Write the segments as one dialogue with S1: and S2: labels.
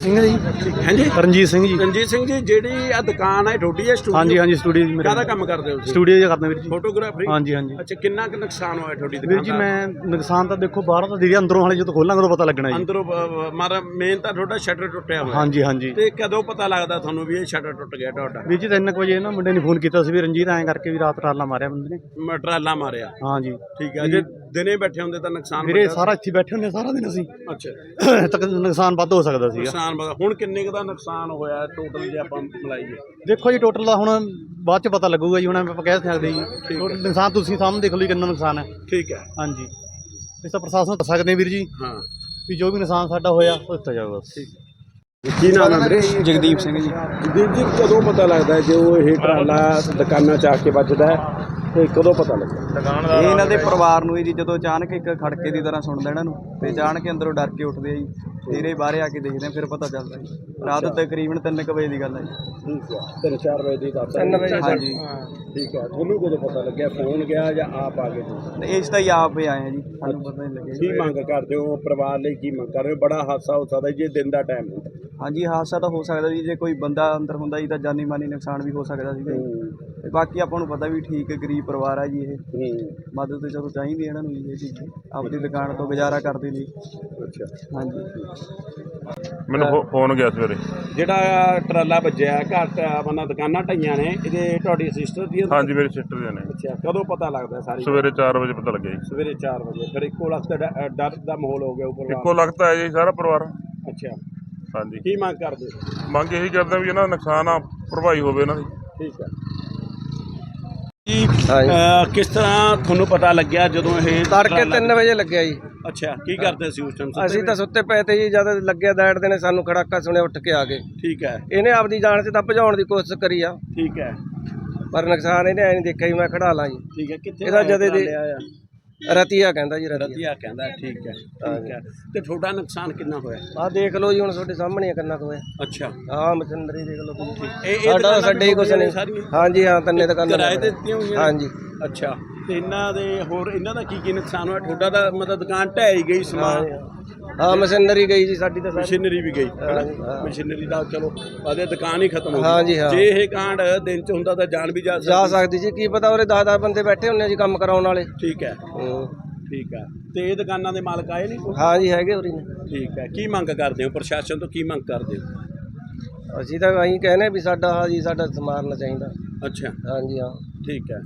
S1: ਸਿੰਘ ਜੀ।
S2: हैं जी
S1: ਰਣਜੀਤ ਸਿੰਘ ਜੀ।
S2: रणजीत सिंह जी ਜਿਹੜੀ ਆ ਦੁਕਾਨ ਹੈ ਤੁਹਾਡੀ ਹੈ ਸਟੂਡੀਓ
S1: ਹਾਂਜੀ ਹਾਂਜੀ ਸਟੂਡੀਓ ਜੀ
S2: ਕਾਹਦਾ
S1: ਮੇਰੇ
S2: ਕੰਮ ਕਰਦੇ ਹੋ ਤੁਸੀਂ
S1: ਸਟੂਡੀਓ 'ਚ ਕਰਦਾ ਵੀਰ ਜੀ।
S2: ਫੋਟੋਗ੍ਰਾਫਰੀ
S1: ਹਾਂਜੀ ਹਾਂਜੀ
S2: ਅੱਛਾ ਕਿੰਨਾ ਕੁ ਨੁਕਸਾਨ ਹੋਇਆ ਤੁਹਾਡੀ
S1: ਵੀਰ
S2: ਦੁਕਾਨ
S1: ਜੀ
S2: ਦਾ
S1: ਮੈਂ ਨੁਕਸਾਨ ਤਾਂ ਦੇਖੋ ਬਾਹਰੋਂ ਤਾਂ ਦੀਦੀ ਅੰਦਰੋਂ ਹਾਲੇ ਜਦੋਂ ਖੋਲਾਂਗੇ ਉਦੋਂ ਪਤਾ ਲੱਗਣਾ ਜੀ।
S2: ਅੰਦਰੋਂ ਮਾਰਾ ਮੇਨ ਤਾਂ ਤੁਹਾਡਾ ਸ਼ਟਰ ਟੁੱਟਿਆ ਹੋਇਆ
S1: ਹਾਂਜੀ ਹਾਂਜੀ
S2: ਤੇ ਕਦੋਂ ਪਤਾ ਲੱਗਦਾ ਤੁਹਾਨੂੰ ਵੀ ਇਹ ਸ਼ਟਰ ਟੁੱਟ ਗਿਆ ਤੁਹਾਡਾ
S1: ਵੀਰ ਜੀ 3 ਵਜੇ ਨਾ ਮੁੰਡੇ ਨੇ ਫੋਨ ਕੀਤਾ ਸੀ ਵੀ ਰਣਜੀਤ ਐਂ ਕਰਕੇ ਵੀ ਰਾਤ ਟਰਾਲਾ ਮਾਰਿਆ ਬੰਦੇ ਨੇ।
S2: ਟਰਾਲਾ ਮਾਰਿਆ
S1: ਹਾਂਜੀ
S2: ਠੀਕ ਹੈ ਜੇ ਦਿਨੇ ਬੈਠੇ ਹੁੰਦੇ ਤਾਂ ਨੁਕਸਾਨ
S1: ਵੀਰੇ
S2: ਵੱਡਾ
S1: ਸਾਰਾ ਇੱਥੇ ਬੈਠੇ ਹੁੰਦੇ ਸਾਰਾ ਦਿਨ ਅਸੀਂ
S2: ਅੱਛਾ
S1: ਤੱਕ ਨੁਕਸਾਨ ਵੱਧ ਹੋ ਸਕਦਾ ਸੀਗਾ।
S2: ਨੁਕਸਾਨ ਹੁਣ ਕਿੰਨੇ ਕੁ ਦਾ ਨੁਕਸਾਨ ਹੋਇਆ ਟੋਟਲ ਜੇ ਆਪਾਂ ਮਿਲਾਈਏ
S1: ਦੇਖੋ ਜੀ ਟੋਟਲ ਦਾ ਹੁਣ ਬਾਅਦ ਚ ਪਤਾ ਲੱਗੂਗਾ ਜੀ ਹੁਣ ਆਪਾਂ ਕਹਿ ਸਕਦੇ ਜੀ ਨੁਕਸਾਨ ਤੁਸੀਂ ਸਾਹਮਣੇ ਦੇਖ ਲਓ ਜੀ ਕਿੰਨਾ ਨੁਕਸਾਨ ਹੈ।
S2: ਠੀਕ ਹੈ
S1: ਹਾਂਜੀ ਇਸ ਤਾਂ ਪ੍ਰਸ਼ਾਸਨ ਨੂੰ ਦੱਸ ਸਕਦੇ ਹਾਂ ਵੀਰ ਜੀ
S2: ਹਾਂ
S1: ਵੀ ਜੋ ਵੀ ਨੁਕਸਾਨ ਸਾਡਾ ਹੋਇਆ ਉਹ ਦਿੱਤਾ ਜਾਊਗਾ।
S2: ਕੀ ਨਾਮ ਹੈ ਵੀਰੇ
S1: ਜਗਦੀਪ ਸਿੰਘ ਜੀ।
S2: ਦੀਪ ਜੀ ਕਦੋਂ ਪਤਾ ਲੱਗਦਾ ਜੋ ਇਹ ਟਰਾਲਾ ਦੁਕਾਨਾਂ ਚ ਆ ਕੇ ਵੱਜਦਾ ਹੈ ਤੇ ਕਦੋਂ ਪਤਾ ਲੱਗਦਾ
S3: ਇਹ ਇਹਨਾਂ ਦੇ ਪਰਿਵਾਰ ਨੂੰ ਹੀ ਜੀ ਜਦੋਂ ਅਚਾਨਕ ਇੱਕ ਖੜਕੇ ਦੀ ਤਰ੍ਹਾਂ ਸੁਣਦਾ ਇਹਨਾਂ ਨੂੰ ਤੇ ਅਚਾਨਕ ਅੰਦਰੋਂ ਡਰ ਕੇ ਉੱਠਦੇ ਆ ਜੀ। ਫਿਰ ਇਹ ਬਾਹਰ ਆ ਕੇ ਦੇਖਦੇ ਆ ਫਿਰ ਪਤਾ ਚੱਲਦਾ ਜੀ। ਰਾਤ ਤਕਰੀਬਨ 3 ਵਜੇ ਦੀ ਗੱਲ ਹੈ ਜੀ।
S2: ਠੀਕ ਹੈ 3-4 ਵਜੇ ਦੀ ਦੱਸ
S3: 3 ਵਜੇ ਹਾਂਜੀ
S2: ਠੀਕ ਹੈ ਤੁਹਾਨੂੰ ਕਦੋਂ ਪਤਾ ਲੱਗਿਆ ਫੋਨ ਗਿਆ ਜਾਂ ਆਪ ਆ ਗਏ ਤੁਸੀਂ
S3: ਤੇ ਇਸ ਤਾਂ ਹੀ ਆਪ ਹੀ ਆਏ ਆ ਜੀ ਸਾਨੂੰ ਪਤਾ ਨਹੀਂ ਲੱਗਿਆ ਜੀ।
S2: ਕੀ ਮੰਗ ਕਰਦੇ ਹੋ ਪਰਿਵਾਰ ਲਈ ਕੀ ਮੰਗ ਕਰ ਰਹੇ ਹੋ ਬੜਾ ਹਾਦਸਾ ਹੋ ਸਕਦਾ ਜੇ ਦਿਨ ਦਾ ਟਾਈਮ ਹੁੰਦਾ
S3: ਹਾਂਜੀ ਹਾਦਸਾ ਤਾਂ ਹੋ ਸਕਦਾ ਜੀ ਜੇ ਕੋਈ ਬੰਦਾ ਅੰਦਰ ਹੁੰਦਾ ਜੀ ਤਾਂ ਜਾਨੀ ਮਾਨੀ ਨੁਕਸਾਨ ਵੀ ਹੋ ਸਕਦਾ ਸੀਗਾ ਜੀ। ਤੇ ਬਾਕੀ ਆਪਾਂ ਨੂੰ ਪਤਾ ਵੀ ਠੀਕ ਹੈ ਗਰੀਬ ਪਰਿਵਾਰ ਆ ਜੀ ਇਹ ਮਦਦ ਤੇ ਚਲੋ ਚਾਹੀਦੀ ਇਹਨਾਂ ਨੂੰ ਜੀ ਇਹ ਚੀਜ਼ ਆਪਣੀ ਦੁਕਾਨ ਤੋਂ ਗੁਜ਼ਾਰਾ ਕਰਦੇ ਨੇ।
S2: ਅੱਛਾ
S3: ਹਾਂਜੀ
S4: ਮੈਨੂੰ ਫੋਨ ਗਿਆ ਸਵੇਰੇ।
S2: ਜਿਹੜਾ ਟਰਾਲਾ ਵੱਜਿਆ ਘੱਟ ਮਤਲਬ ਦੁਕਾਨਾਂ ਢਾਈਆਂ ਨੇ ਇਹਦੇ ਤੁਹਾਡੀ ਸਿਸਟਰ ਦੀ
S4: ਹਾਂਜੀ ਮੇਰੇ ਸਿਸਟਰ ਦੇ ਨੇ।
S2: ਅੱਛਾ ਕਦੋਂ ਪਤਾ ਲੱਗਦਾ ਸਾਰੀ
S4: ਸਵੇਰੇ 4 ਵਜੇ ਪਤਾ ਲੱਗਿਆ ਜੀ।
S2: ਸਵੇਰੇ 4 ਵਜੇ ਫਿਰ ਇੱਕੋ ਲਖਤ ਡਰ ਦਾ ਮਾਹੌਲ ਹੋ ਗਿਆ ਉੱਪਰ
S4: ਇੱਕੋ ਲਗਤ ਹੈ ਜੀ ਸਾਰਾ ਪਰਿਵਾਰ।
S2: ਅੱਛਾ
S4: ਹਾਂਜੀ
S2: ਕੀ ਮੰਗ ਕਰਦੇ
S4: ਮੰਗ ਇਹੀ ਕਰਦਾ ਵੀ ਇਹਨਾਂ ਦਾ ਨੁਕਸਾਨ ਆ ਭਰਪਾਈ ਹੋਵੇ ਇਹਨਾਂ ਦੀ।
S2: ਠੀਕ ਹੈ ਜੀ ਕਿਸ ਤਰ੍ਹਾਂ ਤੁਹਾਨੂੰ ਪਤਾ ਲੱਗਿਆ ਜਦੋਂ ਇਹ
S5: ਤੜਕੇ 3 ਵਜੇ ਲੱਗਿਆ ਜੀ।
S2: ਅੱਛਾ ਕੀ ਕਰਦੇ ਸੀ ਉਸ ਟਾਈਮ
S5: ਅਸੀਂ ਤਾਂ ਸੁੱਤੇ ਪਏ ਤੇ ਜੀ ਜਦ ਲੱਗਿਆ ਦੈੜਦੇ ਨੇ ਸਾਨੂੰ ਖੜਾਕਾ ਸੁਣਿਆ ਉੱਠ ਕੇ ਆ ਗਏ।
S2: ਠੀਕ ਹੈ
S5: ਇਹਨੇ ਆਪਦੀ ਜਾਨ 'ਚ ਤਾਂ ਭਜਾਉਣ ਦੀ ਕੋਸ਼ਿਸ਼ ਕਰੀ ਆ
S2: ਠੀਕ ਹੈ
S5: ਪਰ ਨੁਕਸਾਨ ਇਹਨੇ ਐ ਨਹੀਂ ਦੇਖਿਆ ਜੀ ਮੈਂ ਖੜਾ ਲਾਂ ਜੀ।
S2: ਠੀਕ ਹੈ ਕਿੱਥੇ
S5: ਇਹਦਾ ਜਦੇ ਦੇ
S2: ਆਇਆ
S5: ਰਤੀਆ ਕਹਿੰਦਾ ਜੀ ਰਤੀਆ।
S2: ਰਤੀਆ ਕਹਿੰਦਾ ਠੀਕ ਹੈ ਤੇ ਤੁਹਾਡਾ ਨੁਕਸਾਨ ਕਿੰਨਾ ਹੋਇਆ
S5: ਆਹ ਦੇਖ ਲਓ ਜੀ ਹੁਣ ਤੁਹਾਡੇ ਸਾਹਮਣੇ ਆ ਕਿੰਨਾ ਕੁ ਹੋਇਆ।
S2: ਅੱਛਾ
S5: ਆਹ ਮਸ਼ੀਨਰੀ ਦੇਖ ਲਓ ਤੁਸੀਂ।
S2: ਇਹ
S5: ਸਾਡਾ ਸਾਡੇ ਹੀ ਕੁਛ ਨਹੀਂ। ਹਾਂਜੀ ਹਾਂ ਤੰਨੇ ਦੁਕਾਨਾਂ
S2: ਕਿਰਾਏ ਤੇ ਦਿੱਤੀਆਂ ਹੋਈਆਂ
S5: ਹਾਂਜੀ
S2: ਅੱਛਾ ਤੇ ਇਹਨਾਂ ਦੇ ਹੋਰ ਇਹਨਾਂ ਦਾ ਕੀ ਨੁਕਸਾਨ ਹੋਇਆ ਤੁਹਾਡਾ ਤਾਂ ਮਤਲਬ ਦੁਕਾਨ ਢਹਿ ਹੀ ਗਈ ਸਮਾਨ
S5: ਹਾਂ ਮਸ਼ੀਨਰੀ ਗਈ ਜੀ ਸਾਡੀ ਤਾਂ ਸਾਰੀ।
S2: ਮਸ਼ੀਨਰੀ ਵੀ ਗਈ
S5: ਹਾਂ।
S2: ਮਸ਼ੀਨਰੀ ਦਾ ਚਲੋ ਆਦੇ ਦੁਕਾਨ ਹੀ ਖਤਮ ਹੋ
S5: ਹਾਂਜੀ
S2: ਗਈ
S5: ਹਾਂ।
S2: ਜੇ ਇਹ ਕਾਂਡ ਦਿਨ ਚ ਹੁੰਦਾ ਤਾਂ ਜਾਨ ਵੀ
S5: ਜਾ ਸਕਦੀ ਜੀ ਕੀ ਪਤਾ ਉਰੇ 10 ਬੰਦੇ ਬੈਠੇ ਹੁੰਦੇ ਜੀ ਕੰਮ ਕਰਾਉਣ ਵਾਲੇ।
S2: ਠੀਕ ਹੈ ਠੀਕ ਹੈ ਤੇ ਇਹ ਦੁਕਾਨਾਂ ਦੇ ਮਾਲਕ ਆਏ ਨਹੀਂ
S5: ਹਾਂ ਜੀ ਹੈਗੇ ਉਰੀ ਨੇ।
S2: ਠੀਕ ਹੈ ਕੀ ਮੰਗ ਕਰਦੇ ਹੋ ਪ੍ਰਸ਼ਾਸਨ ਤੋਂ ਕੀ ਮੰਗ ਕਰਦੇ ਹੋ
S5: ਅਸੀਂ ਤਾਂ ਅਸੀਂ ਕਹਿੰਦੇ ਵੀ ਸਾਡਾ ਹਾਂ ਜੀ ਸਾਡਾ ਸਮਾਰਨਾ ਚਾਹੀਦਾ।
S2: ਅੱਛਾ
S5: ਹਾਂਜੀ ਹਾਂ
S2: ਠੀਕ ਹੈ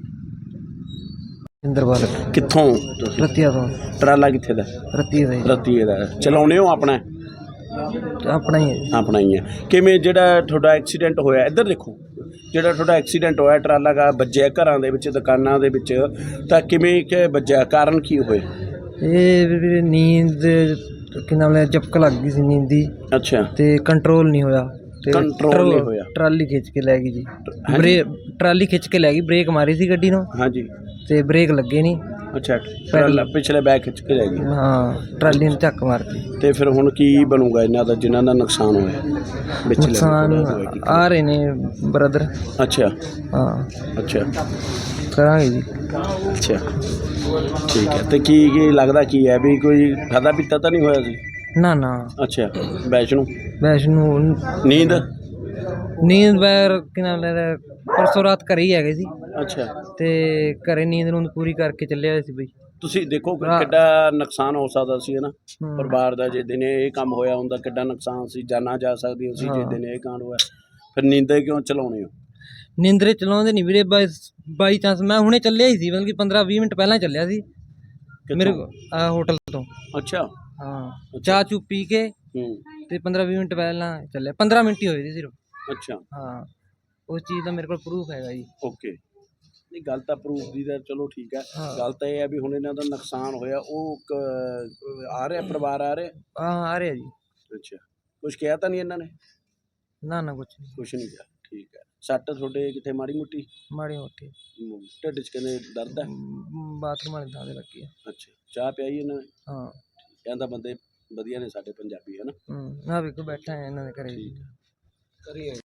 S5: ਇੰਦਰਵਾਲ
S2: ਕਿੱਥੋਂ
S5: ਰਤੀਆ ਤੋਂ
S2: ਟਰਾਲਾ ਕਿੱਥੇ ਦਾ
S5: ਰਤੀਆ ਦਾ
S2: ਰਤੀਏ ਦਾ ਚਲਾਉਣੇ ਹੋ ਆਪਣਾ
S5: ਆਪਣਾ ਹੀ ਹੈ।
S2: ਆਪਣਾ ਹੀ ਹੈ ਕਿਵੇਂ ਜਿਹੜਾ ਤੁਹਾਡਾ ਐਕਸੀਡੈਂਟ ਹੋਇਆ ਇੱਧਰ ਦੇਖੋ ਜਿਹੜਾ ਤੁਹਾਡਾ ਐਕਸੀਡੈਂਟ ਹੋਇਆ ਟਰਾਲਾ ਦਾ ਵੱਜਿਆ ਘਰਾਂ ਦੇ ਵਿੱਚ ਦੁਕਾਨਾਂ ਦੇ ਵਿੱਚ ਤਾਂ ਕਿਵੇਂ ਕਿ ਵੱਜਿਆ ਕਾਰਨ ਕੀ ਹੋਏ
S5: ਇਹ ਵੀਰੇ ਨੀਂਦ ਕਿ ਨਾਮ ਲੈ ਝਪਕ ਲੱਗ ਗਈ ਸੀ ਨੀਂਦ ਦੀ
S2: ਅੱਛਾ
S5: ਤੇ ਕੰਟਰੋਲ ਨਹੀਂ ਹੋਇਆ ਤੇ
S2: ਕੰਟਰੋਲ ਨਹੀਂ ਹੋਇਆ
S5: ਟਰਾਲੀ ਖਿੱਚ ਕੇ ਲੈ ਗਈ ਜੀ। ਟਰਾਲੀ ਖਿੱਚ ਕੇ ਲੈ ਗਈ ਬ੍ਰੇਕ ਮਾਰੀ ਸੀ ਗੱਡੀ ਨੂੰ
S2: ਹਾਂਜੀ
S5: ਤੇ ਬ੍ਰੇਕ ਲੱਗੇ ਨਹੀਂ।
S2: ਅੱਛਾ ਟਰਾਲਾ ਪਿਛਲੇ ਬੈਕ ਖਿੱਚ ਕੇ ਲੈ ਗਈ
S5: ਹਾਂ ਟਰਾਲੀ ਨੇ ਝੱਕ ਮਾਰਤੀ।
S2: ਤੇ ਫਿਰ ਹੁਣ ਕੀ ਬਣੂਗਾ ਇਹਨਾਂ ਦਾ ਜਿਨ੍ਹਾਂ ਦਾ ਨੁਕਸਾਨ ਹੋਇਆ ਵਿਚਲੇ
S5: ਨੁਕਸਾਨ ਆ ਰਹੇ ਨੇ ਬ੍ਰਦਰ।
S2: ਅੱਛਾ
S5: ਹਾਂ
S2: ਅੱਛਾ
S5: ਕਰਾਂਗੇ ਜੀ।
S2: ਅੱਛਾ ਠੀਕ ਹੈ ਤੇ ਕੀ ਲੱਗਦਾ ਕੀ ਹੈ ਵੀ ਕੋਈ ਖਾਦਾ ਪੀਤਾ ਤਾਂ ਨਹੀਂ ਹੋਇਆ ਸੀ
S5: ਨਾ ਨਾ
S2: ਅੱਛਾ ਵੈਸ਼ਨੂੰ
S5: ਨੀਂਦ
S2: ਨੀਂਦ
S5: ਵੈਰ ਕਿ ਨਾਮ ਲੈ ਪਰਸੋਂ ਰਾਤ ਘਰੇ ਹੀ ਹੈਗੇ ਸੀ
S2: ਅੱਛਾ
S5: ਤੇ ਘਰੇ ਨੀਂਦ ਨੂੰ ਪੂਰੀ ਕਰਕੇ ਚੱਲਿਆ ਸੀ ਬਈ।
S2: ਤੁਸੀਂ ਦੇਖੋ ਕਿ ਕਿੱਡਾ ਨੁਕਸਾਨ ਹੋ ਸਕਦਾ ਸੀ ਨਾ ਪਰਿਵਾਰ ਦਾ ਜੇ ਦਿਨੇ ਇਹ ਕੰਮ ਹੋਇਆ ਹੁੰਦਾ ਕਿੱਡਾ ਨੁਕਸਾਨ ਸੀ ਜਾਨਾਂ ਜਾ ਸਕਦੀ ਸੀ ਜੇ ਦਿਨੇ ਇਹ ਕਾਂਡ ਹੋਇਆ ਫਿਰ ਨੀਂਦੇ ਕਿਉਂ ਚਲਾਉਣੇ ਹੋ
S5: ਨੀਂਦਰੇ ਚਲਾਉਂਦੇ ਨਹੀਂ ਵੀਰੇ ਬਾਈ ਚਾਂਸ ਮੈਂ ਹੁਣੇ ਚੱਲਿਆ ਹੀ ਸੀ ਬਲਕਿ 15-20 ਮਿੰਟ ਪਹਿਲਾਂ ਚੱਲਿਆ ਸੀ ਮੇਰੇ ਹੋਟਲ ਤੋਂ।
S2: ਅੱਛਾ
S5: ਹਾਂ ਚਾਹ ਚੂ ਪੀ ਕੇ ਤੇ 15-20 ਮਿੰਟ ਪਹਿਲਾਂ ਚੱਲਿਆ 15 ਮਿੰਟ ਹੀ ਹੋਏ ਸੀ ਸਿਰਫ।
S2: ਅੱਛਾ ਹਾਂ
S5: ਉਸ ਚੀਜ਼ ਦਾ ਮੇਰੇ ਕੋਲ ਪ੍ਰੂਫ ਹੈਗਾ ਜੀ।
S2: ਓਕੇ ਨਹੀਂ ਗੱਲ ਤਾਂ ਪ੍ਰੂਫ ਦੀ ਤਾਂ ਚਲੋ ਠੀਕ ਹੈ ਗੱਲ ਤਾਂ ਇਹ ਹੈ ਵੀ ਹੁਣ ਇਹਨਾਂ ਦਾ ਨੁਕਸਾਨ ਹੋਇਆ ਉਹ ਆ ਰਿਹਾ ਪਰਿਵਾਰ ਆ ਰਿਹਾ
S5: ਆ ਰਿਹਾ ਜੀ।
S2: ਅੱਛਾ ਕੁਝ ਕਿਹਾ ਤਾਂ ਨਹੀਂ ਇਹਨਾਂ ਨੇ
S5: ਨਾ ਕੁਛ
S2: ਨਹੀਂ ਕਿਹਾ ਠੀਕ ਹੈ ਸੱਟ ਤੁਹਾਡੇ ਕਿੱਥੇ ਮਾੜੀ ਮੋਟੀ
S5: ਮੋਟੀ
S2: ਢਿੱਡ 'ਚ ਕਹਿੰਦੇ ਦਰਦ ਹੈ
S5: ਬਾਥਰੂਮ ਵਾਲੇ ਥਾਂ ਤੇ ਲੱਗੀ ਹੈ।
S2: ਅੱਛਾ ਚਾਹ ਪਿਆਈ ਇਹਨਾਂ ਨੇ
S5: ਹਾਂ
S2: ਕਹਿੰਦਾ ਬੰਦੇ ਵਧੀਆ ਨੇ ਸਾਡੇ ਪੰਜਾਬੀ ਹੈ ਨਾ
S5: ਨਾ ਵੇਖੋ ਬੈਠਾ ਹੈ ਇਹਨਾਂ ਦੇ ਘਰੇ ਕਰੀਏ।